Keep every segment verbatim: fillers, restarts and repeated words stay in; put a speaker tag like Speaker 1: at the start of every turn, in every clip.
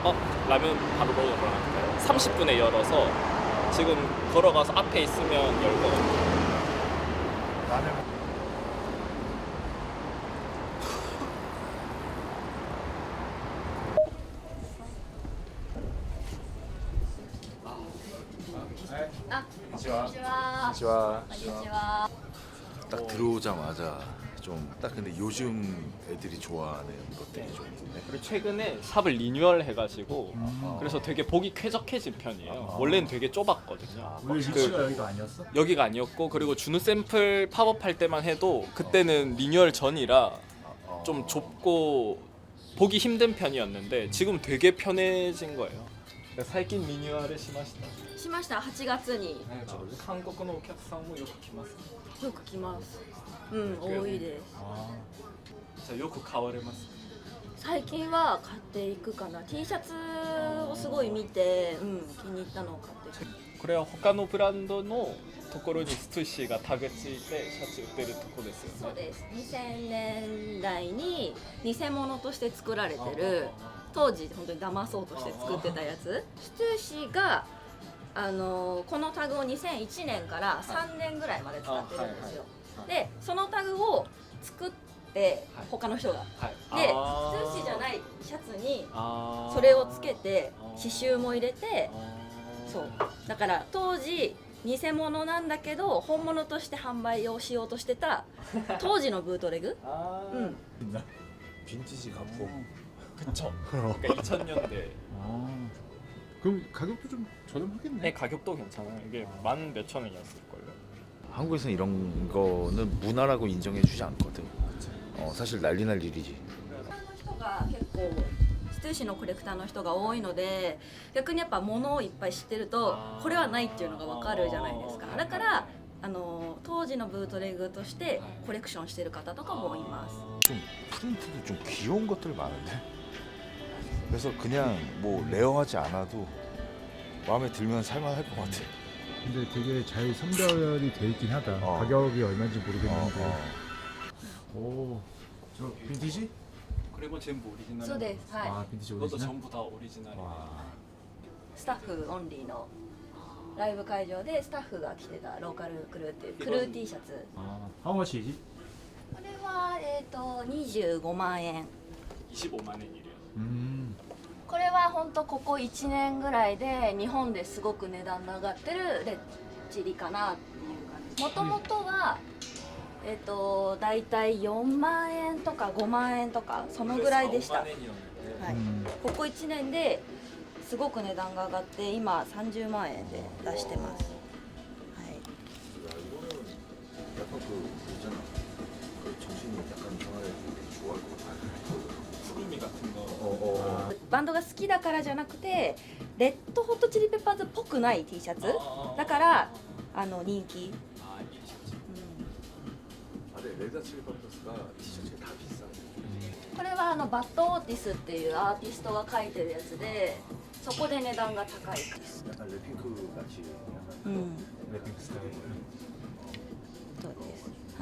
Speaker 1: 어? 라면 바로 먹으러 갈까요? 삼십 분에 열어서 지금 걸어가서 앞에 있으면 열 거거든요.
Speaker 2: 라면
Speaker 3: 아,
Speaker 2: 안녕하세요.
Speaker 3: 안녕하세요. 안녕하세요.
Speaker 2: 딱 들어오자마자 좀 딱 근데 요즘 애들이 좋아하는 것들이 좀 있네.
Speaker 1: 그리고 최근에 샵을 리뉴얼 해가지고
Speaker 2: 음.
Speaker 1: 그래서 되게 보기 쾌적해진 편이에요. 원래는 되게 좁았거든요.
Speaker 4: 원래
Speaker 1: 그-
Speaker 4: 위치가 여기가 아니었어?
Speaker 1: 여기가 아니었고 그리고 준우 샘플 팝업할 때만 해도 그때는 리뉴얼 전이라 좀 좁고 보기 힘든 편이었는데 지금 되게 편해진 거예요.最近 리뉴얼을 시마시다.
Speaker 3: しましたはちがつに
Speaker 1: 한국のお客さんもよく来ます。
Speaker 3: よく来ます。うん多いです。
Speaker 4: 아,
Speaker 1: じゃあよく買われます。
Speaker 3: 最近は買っていくかな。T シャツをすごい見て、うん気に入ったのを買っていく。
Speaker 1: これは他のブランドのところにストゥッシーがタグついてシャツ売ってるとこですよね。
Speaker 3: そうです。にせんねんだいに偽物として作られてる、当時本当に騙そうとして作ってたやつ。ストゥーシーがあのこのタグをにせんいちねんからさんねんぐらいまで使ってるんですよ。でそのタグを作って
Speaker 1: はい
Speaker 3: 他の人が。
Speaker 1: はい。
Speaker 3: で、
Speaker 1: あー
Speaker 3: ストゥーシーじゃないシャツに
Speaker 1: あー
Speaker 3: それをつけて
Speaker 1: あー
Speaker 3: 刺繍も入れて、
Speaker 1: あー
Speaker 3: そうだから当時偽物なんだけど本物として販売をしようとしてた当時のブートレグ、
Speaker 1: 아
Speaker 3: うん、
Speaker 2: 빈티지 가포.
Speaker 1: 그쵸. 그러니까 이천 년대.
Speaker 4: 아. 그럼 가격도 좀 저렴하겠네.
Speaker 1: 네, 가격도 괜찮아요. 이게 만 몇천 원이었을걸요.
Speaker 2: 한국에서는 이런 거는 문화라고 인정해주지 않거든. 어, 사실 난리 날 일이지.
Speaker 3: 人が結構ストゥーシーのコレクターの人が多いので逆にやっぱ物をいっぱい知ってると
Speaker 1: あー
Speaker 3: これはないっていうのが分かるじゃないですか。だからあの当時のブートレグとしてコレクションしてる方とかもいます。
Speaker 2: 좀 프린트도 좀 귀여운 것들 많은데. 그래서 그냥 뭐 레어하지 않아도 마음에 들면 살만할 것 같아.
Speaker 4: 근데 되게 잘 선별이 돼 있긴 하다.
Speaker 2: 어.
Speaker 4: 가격이 얼마인지
Speaker 2: 어,
Speaker 4: 모르겠는데.
Speaker 2: 어.
Speaker 4: 오, 저 빈티지?
Speaker 1: 그리고 전부 오리지널.
Speaker 3: そうです。はい。
Speaker 4: 아, 빈티지
Speaker 1: 이것도
Speaker 4: 오리지널?
Speaker 1: 전부 다 오리지널이에요.
Speaker 4: 와.
Speaker 3: スタッフオンリーのライブ会場でスタッフが着てたローカルクルーっていうクルー T シャツ。
Speaker 4: 아, how much이지?
Speaker 3: これはえっ、とにじゅうごまんえん。
Speaker 1: 이십오만 원이래요.
Speaker 4: 음.
Speaker 3: これは本当ここいちねんぐらいで日本ですごく値段の上がってるレッチリかなっていう感じ。もともとはえっ、とだいたいよんまんえんとかごまんえんとかそのぐらいでした。は
Speaker 1: 오만 원이었는데.
Speaker 3: い。
Speaker 4: 음.
Speaker 3: ここいちねんですごく値段が上がって今さんじゅうまんえんで出してます。はい。
Speaker 2: 야, 이거는 약간 그 있잖아. 그 정신이 약간 이상하게 좋아할 것 같아.
Speaker 1: 푸르미 같은 거.
Speaker 2: 어, 어.
Speaker 3: バンドが好きだからじゃなくてレッドホットチリペッパーズっぽくない T シャツだからあの人気、
Speaker 1: 아, 이 셔츠.
Speaker 3: うん
Speaker 2: 아, 근데 레드 칠리 페퍼스가 티셔츠가 다 비싸.
Speaker 3: これはあのバッドオーティスっていうアーティストが描いてるやつでそこで値段が高い。
Speaker 2: 약간 랩핑크 같이.
Speaker 3: うん
Speaker 4: 랩핑 스타일.
Speaker 3: そうです。はい。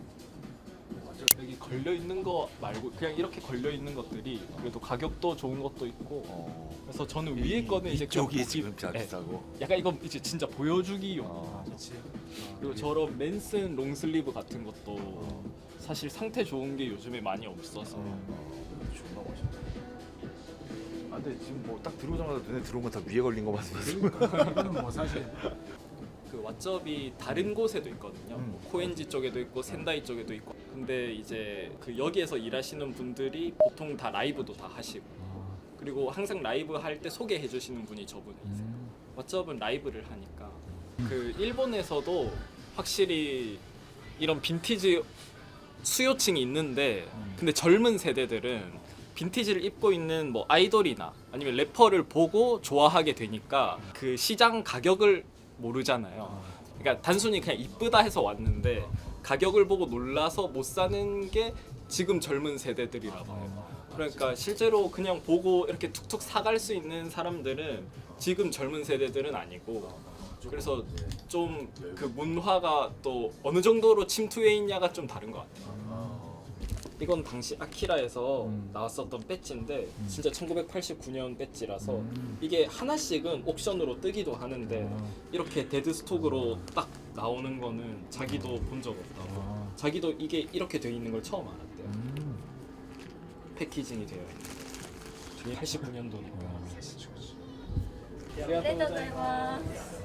Speaker 1: 여기 걸려 있는 거 말고 그냥 이렇게 걸려 있는 것들이 그래도 가격도 좋은 것도 있고.
Speaker 2: 어.
Speaker 1: 그래서 저는 위에 거는 이제 그냥
Speaker 2: 이쪽이
Speaker 1: 보기-
Speaker 2: 지금 다
Speaker 1: 네.
Speaker 2: 비싸고.
Speaker 1: 약간 이건 이제 진짜 보여주기용.
Speaker 2: 어.
Speaker 1: 그리고 저런 맨슨 롱슬리브 같은 것도 사실 상태 좋은 게 요즘에 많이 없어서.
Speaker 2: 존나 멋있다. 아, 근데 지금 뭐 딱 들어오자마자 눈에 들어온 거 다 위에 걸린 거 봤어.
Speaker 4: 그러니까 이거는 뭐 사실
Speaker 1: 그 왓접이 다른 곳에도 있거든요.
Speaker 2: 음.
Speaker 1: 코엔지 쪽에도 있고 센다이 쪽에도 있고. 근데 이제 그 여기에서 일하시는 분들이 보통 다 라이브도 다 하시고.
Speaker 4: 아,
Speaker 1: 그리고 항상 라이브 할 때 소개해 주시는 분이 저분이세요.
Speaker 4: 음.
Speaker 1: 왓접은 라이브를 하니까. 그 일본에서도 확실히 이런 빈티지 수요층이 있는데 근데 젊은 세대들은 빈티지를 입고 있는 뭐 아이돌이나 아니면 래퍼를 보고 좋아하게 되니까 그 시장 가격을 모르잖아요. 그러니까 단순히 그냥 이쁘다 해서 왔는데 가격을 보고 놀라서 못 사는 게 지금 젊은 세대들이라고 해요. 그러니까 실제로 그냥 보고 이렇게 툭툭 사갈 수 있는 사람들은 지금 젊은 세대들은 아니고 그래서 좀 그 문화가 또 어느 정도로 침투해 있냐가 좀 다른 것 같아요. 이건 당시 아키라에서
Speaker 4: 음.
Speaker 1: 나왔었던 배지인데
Speaker 4: 음.
Speaker 1: 진짜 천구백팔십구 년 배지라서
Speaker 4: 음.
Speaker 1: 이게 하나씩은 옥션으로 뜨기도 하는데
Speaker 4: 아.
Speaker 1: 이렇게 데드 스톡으로 딱 나오는 거는 자기도 본 적 없다고.
Speaker 4: 아.
Speaker 1: 자기도 이게 이렇게 돼 있는 걸 처음 알았대요.
Speaker 4: 음.
Speaker 1: 패키징이 되어 있는. 이게 팔십구 년도니까.
Speaker 4: 아.
Speaker 3: ありがとうございます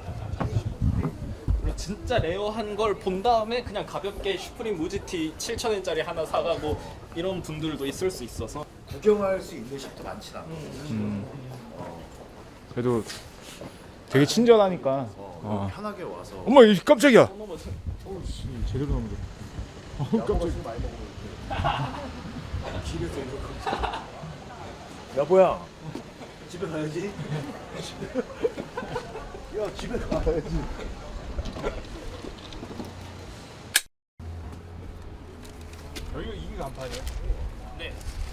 Speaker 1: 진짜 레어한 걸 본 다음에 그냥 가볍게 슈프림 무지티 칠천 엔짜리 하나 사가고 이런 분들도 있을 수 있어서
Speaker 2: 구경할 수 있는 샵도 많진 않아.
Speaker 4: 음. 그래도 되게 친절하니까.
Speaker 2: 어,
Speaker 4: 어.
Speaker 2: 편하게 와서.
Speaker 4: 어머, 이 깜짝이야.
Speaker 1: 넘어져.
Speaker 4: 어우 씨, 제대로 넘어졌다. 어우 깜짝.
Speaker 2: 많이 먹고 길에서 이렇게. 여보야, 집에 가야지. 야, 집에 가야지.
Speaker 4: 여기가 이게 간판이야?
Speaker 1: 네.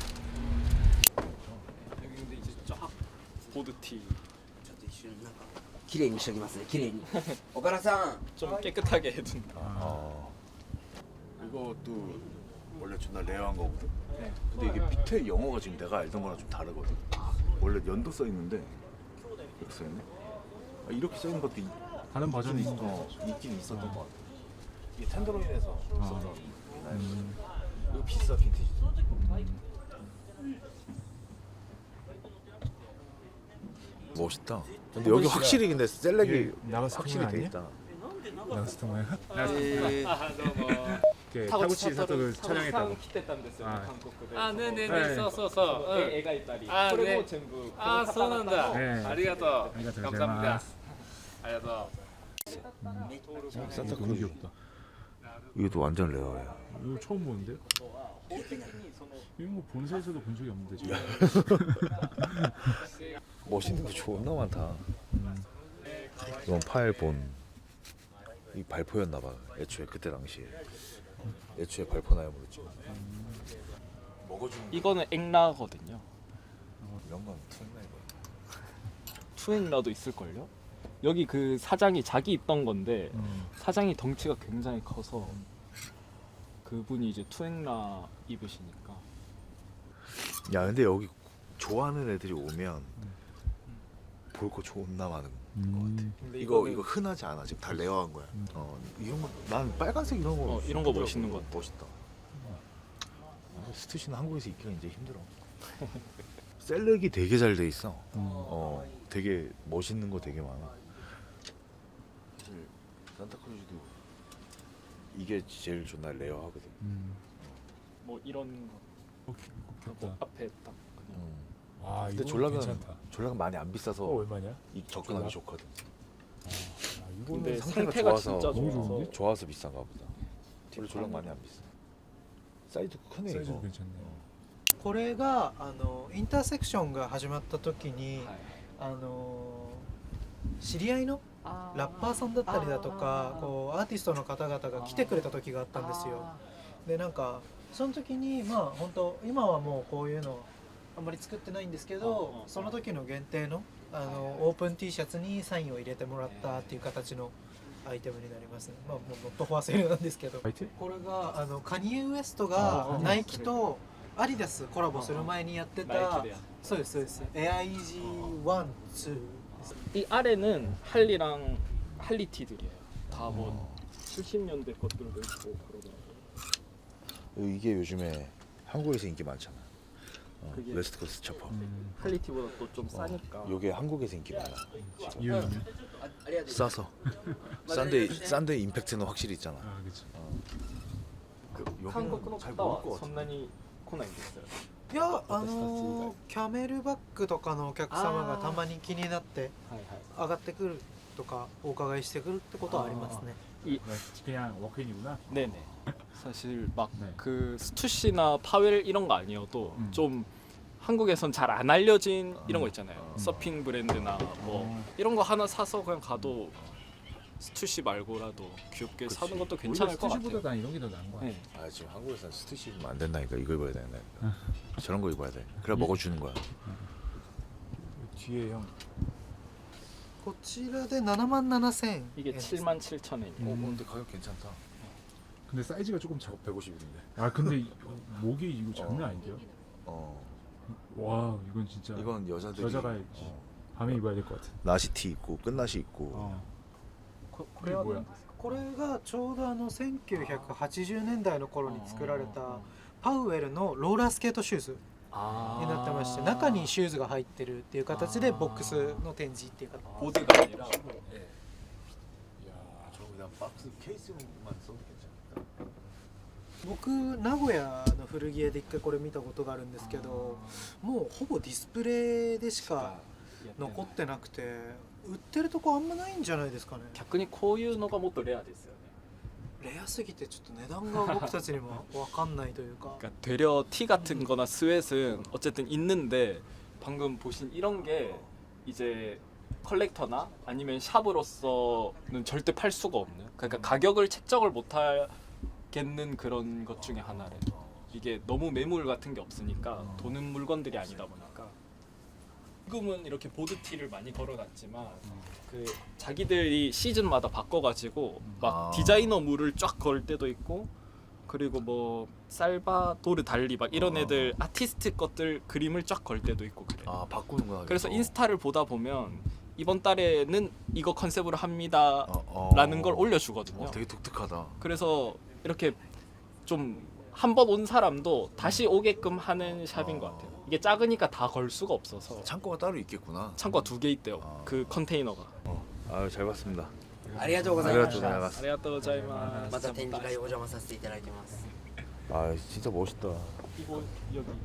Speaker 1: 여기 근데 이제 쫙 보드티
Speaker 5: ちょっと一瞬なんか綺麗にしときますね綺麗に岡田さん
Speaker 1: 좀 깨끗하게 해둔.
Speaker 2: 어. 이것도 원래 존나 레어한 거거든.
Speaker 1: 네.
Speaker 2: 근데 이게 밑에 영어가 지금 내가 알던 거랑 좀 다르거든. 원래 연도 써 있는데 이렇게 써 있네. 아, 이렇게 써 있는 것도 있,
Speaker 4: 다른 버전이
Speaker 2: 있,
Speaker 4: 있어.
Speaker 2: 어, 있긴 있었던 것 같아. 이게 텐더로인에서 썼던 옛날.
Speaker 4: 음.
Speaker 2: 이거 비싸 빈티지. 멋있다. 근데 여기 확실히 근데 셀렉이
Speaker 4: 이게 나가스
Speaker 2: 확실히
Speaker 4: 통화
Speaker 2: 돼
Speaker 4: 아니야?
Speaker 2: 있다.
Speaker 4: 나스토마야?
Speaker 1: 아, 너무
Speaker 4: 이렇게 타구치 사토를 촬영했다고.
Speaker 1: 来てたんですよね、
Speaker 4: はい
Speaker 1: 韓国で。
Speaker 6: あねえねえね
Speaker 4: はい
Speaker 6: えそうそうそう、うん、
Speaker 1: 絵描いたり、
Speaker 6: あ
Speaker 1: これ
Speaker 6: ね
Speaker 1: も全部
Speaker 6: あーそうなんだ、
Speaker 4: ねえ
Speaker 6: ありがとう
Speaker 4: ありがとうございます
Speaker 6: ありがとう
Speaker 2: 산타
Speaker 4: 너무
Speaker 2: 크루즈.
Speaker 4: 귀엽다.
Speaker 2: 이것도 완전 레어야.
Speaker 4: 이거 처음 보는데? 이거 뭐 본사에서도 본 적이 없는데 지금.
Speaker 2: 멋있는 거 존나 많다. 이건 파일 본. 이 발표였나 봐. 애초에 그때 당시에. 애초에 발표 나염으로 찍은. 먹어주는
Speaker 1: 이거는 앵라거든요.
Speaker 2: 이런 건 투나 이거.
Speaker 1: 투앵라도 있을걸요? 여기 그 사장이 자기 있던 건데
Speaker 4: 음.
Speaker 1: 사장이 덩치가 굉장히 커서 그분이 이제 투앵라 입으시니까.
Speaker 2: 야 근데 여기 좋아하는 애들이 오면 볼 거 존나 많은
Speaker 4: 음.
Speaker 1: 근데
Speaker 2: 이거
Speaker 1: 이거는
Speaker 2: 이거 흔하지 않아. 지금 다 레어한 거야.
Speaker 4: 음.
Speaker 2: 어 이런 거 난 빨간색 이런 거
Speaker 1: 어, 이런 거 멋있는 것 같아.
Speaker 2: 멋있다. 아, 스투시는 한국에서 입기가 이제 힘들어. 셀렉이 되게 잘 돼 있어.
Speaker 4: 음.
Speaker 2: 어 되게 멋있는 거 되게 많아. 사실 산타크루즈도 이게 제일 존나 레어하거든.
Speaker 4: 음.
Speaker 1: 뭐 이런 거
Speaker 4: 어, 귀- 귀엽다.
Speaker 1: 앞에 딱 그냥
Speaker 2: 음.
Speaker 4: 아,
Speaker 2: 근데
Speaker 4: 이거
Speaker 2: 졸라가
Speaker 4: 괜찮다.
Speaker 2: 졸라가 많이 안 비싸서
Speaker 4: 어, 얼마냐?
Speaker 2: 이 접근하기
Speaker 4: 졸라?
Speaker 2: 좋거든.
Speaker 4: 아, 이거는
Speaker 1: 근데
Speaker 2: 상태가
Speaker 1: 상태가
Speaker 2: 좋아서
Speaker 1: 진짜
Speaker 4: 너무
Speaker 1: 좋아서
Speaker 4: 좋은데?
Speaker 2: 좋아서 비싼가 보다. 원래 졸라 많이 안 비싸. 사이즈 크네
Speaker 4: 사이즈도
Speaker 2: 이거.
Speaker 4: 괜찮네.
Speaker 7: これがあのインターセクションが始まった時に、
Speaker 1: はい
Speaker 7: あの知り合いのラッパーさんだったりだとかこうアーティストの方々が来てくれた時があったんですよ。でなんかその時にまあ本当今はもうこういうのあんまり作ってないんですけど、その時の限定のあのオープン T シャツにサインを入れてもらったっていう形のアイテムになりますね。まあもうノットフォアセールなんですけど。
Speaker 4: 相手？
Speaker 7: これがあのカニエ・ウエスト
Speaker 4: あー
Speaker 7: がナイキとアディダスコラボする前にやってた
Speaker 1: ナイキでやっ
Speaker 7: そうですそうですエアイージーワン、ツー
Speaker 1: 이 아래는 할리랑 할리티들이에요. 다 뭐 칠십 년대 것들도 있고 그러더라고요.
Speaker 2: 이게 요즘에 한국에서 인기 많잖아. 어,
Speaker 1: 그게-
Speaker 2: 웨스트 코스트 처퍼.
Speaker 4: 음.
Speaker 1: 할리티보다 또 좀 싸니까.
Speaker 2: 요게 한국에서 인기 많아.
Speaker 4: 이유는?
Speaker 2: 싸서. 싼데 싼데 임팩트는 확실히 있잖아.
Speaker 4: 아, 그렇지.
Speaker 2: 그,
Speaker 1: 한국 の
Speaker 2: 잘
Speaker 1: 方
Speaker 2: 모를 것
Speaker 1: はそ
Speaker 2: 같아.
Speaker 1: んなに来ないんですよ。
Speaker 7: いやあのキャメルバッグとかのお客様がたまに気になって
Speaker 1: はいはい。
Speaker 7: 上がってくるとかお伺いしてくるってことはありますね
Speaker 4: 그냥 워크인이구나.
Speaker 1: 네네. 사실 막
Speaker 4: 네.
Speaker 1: 그 스투시나 파웰 이런 거 아니어도
Speaker 4: 음.
Speaker 1: 좀 한국에선 잘 안 알려진 이런 거
Speaker 2: 음.
Speaker 1: 있잖아요.
Speaker 2: 음.
Speaker 1: 서핑 브랜드나 뭐
Speaker 4: 어.
Speaker 1: 이런 거 하나 사서 그냥 가도 스투시 말고라도 귀엽게
Speaker 2: 그치.
Speaker 1: 사는 것도
Speaker 4: 오히려
Speaker 1: 괜찮을 것
Speaker 4: 스투시보다
Speaker 1: 같아요.
Speaker 4: 난 이런 게 더 나은 거 같아.
Speaker 1: 네.
Speaker 2: 아 지금 한국에서는 스투시 입으면 안 된다니까. 이거 입어야 된다. 저런 거 입어야 돼. 그래 먹어주는 거야.
Speaker 4: 뒤에 형.
Speaker 7: こちらでななまんななせん
Speaker 1: 이게 칠만 칠천 엔이에요.
Speaker 2: 어
Speaker 4: 음.
Speaker 2: 근데 가격 괜찮다.
Speaker 4: 근데 사이즈가 조금 작아.
Speaker 2: 백오십인데.
Speaker 4: 아 근데 이- 목이 이거 장난
Speaker 2: 어.
Speaker 4: 아닌데요?
Speaker 2: 어.
Speaker 4: 와 이건 진짜
Speaker 2: 이건 여자들이
Speaker 4: 여자가
Speaker 2: 어.
Speaker 4: 밤에 입어야 될 것 같아.
Speaker 2: 나시티 있고 끝나시 있고.
Speaker 4: 어.
Speaker 7: ここれは
Speaker 4: これは
Speaker 7: これがちょうどあのせんきゅうひゃくはちじゅうねんだいの頃に作られたパウエルのローラースケートシューズ
Speaker 1: 아.
Speaker 7: になってまして中にシューズが入ってるっていう形でボックスの展示っていうか
Speaker 1: 보드가 아니라.
Speaker 2: 저 그냥 박스 케이스만 써도 괜찮다.
Speaker 7: 僕名古屋の古着屋で一回これ見たことがあるんですけどもうほぼディスプレイでしか残ってなくて売ってるとこあんまないんじゃないですかね
Speaker 1: 逆にこういうのがもっとレアですよね.
Speaker 7: レアすぎてちょっと値段が僕たちにも分かんないというか
Speaker 1: 그러니까 되려 티 같은 거나 스웨트는 어쨌든 있는데 방금 보신 이런 게 이제 컬렉터나 아니면 샵으로서는 절대 팔 수가 없는, 그러니까 가격을 책정을 못 하겠는 그런 것 중에 하나래. 이게 너무 매물 같은 게 없으니까 도는 물건들이 아니다 보니까 지금은 이렇게 보드티를 많이 걸어놨지만 그 자기들이 시즌마다 바꿔가지고 막
Speaker 2: 아.
Speaker 1: 디자이너 물을 쫙 걸 때도 있고, 그리고 뭐 살바도르 달리 막 이런
Speaker 2: 아.
Speaker 1: 애들 아티스트 것들 그림을 쫙 걸 때도 있고 그래.
Speaker 2: 아 바꾸는구나.
Speaker 1: 그래서
Speaker 2: 계속.
Speaker 1: 인스타를 보다 보면 이번 달에는 이거 컨셉으로 합니다라는
Speaker 2: 어, 어.
Speaker 1: 걸 올려주거든요.
Speaker 2: 어, 되게 독특하다.
Speaker 1: 그래서 이렇게 좀 한 번 온 사람도 다시 오게끔 하는 샵인
Speaker 2: 어.
Speaker 1: 것 같아요. 이게 작으니까 다 걸 수가 없어서
Speaker 2: 창고가 따로 있겠구나.
Speaker 1: 창고가 두 개 있대요.
Speaker 2: 아.
Speaker 1: 그 컨테이너가.
Speaker 2: 아유 잘 봤습니다.
Speaker 5: ありがとうございまし
Speaker 2: 아리가또
Speaker 5: た
Speaker 2: 고자이마스.
Speaker 1: ありがとうございます。
Speaker 5: また展示会お邪魔させていただきます
Speaker 2: 아 진짜 멋있다.
Speaker 1: 이거 여기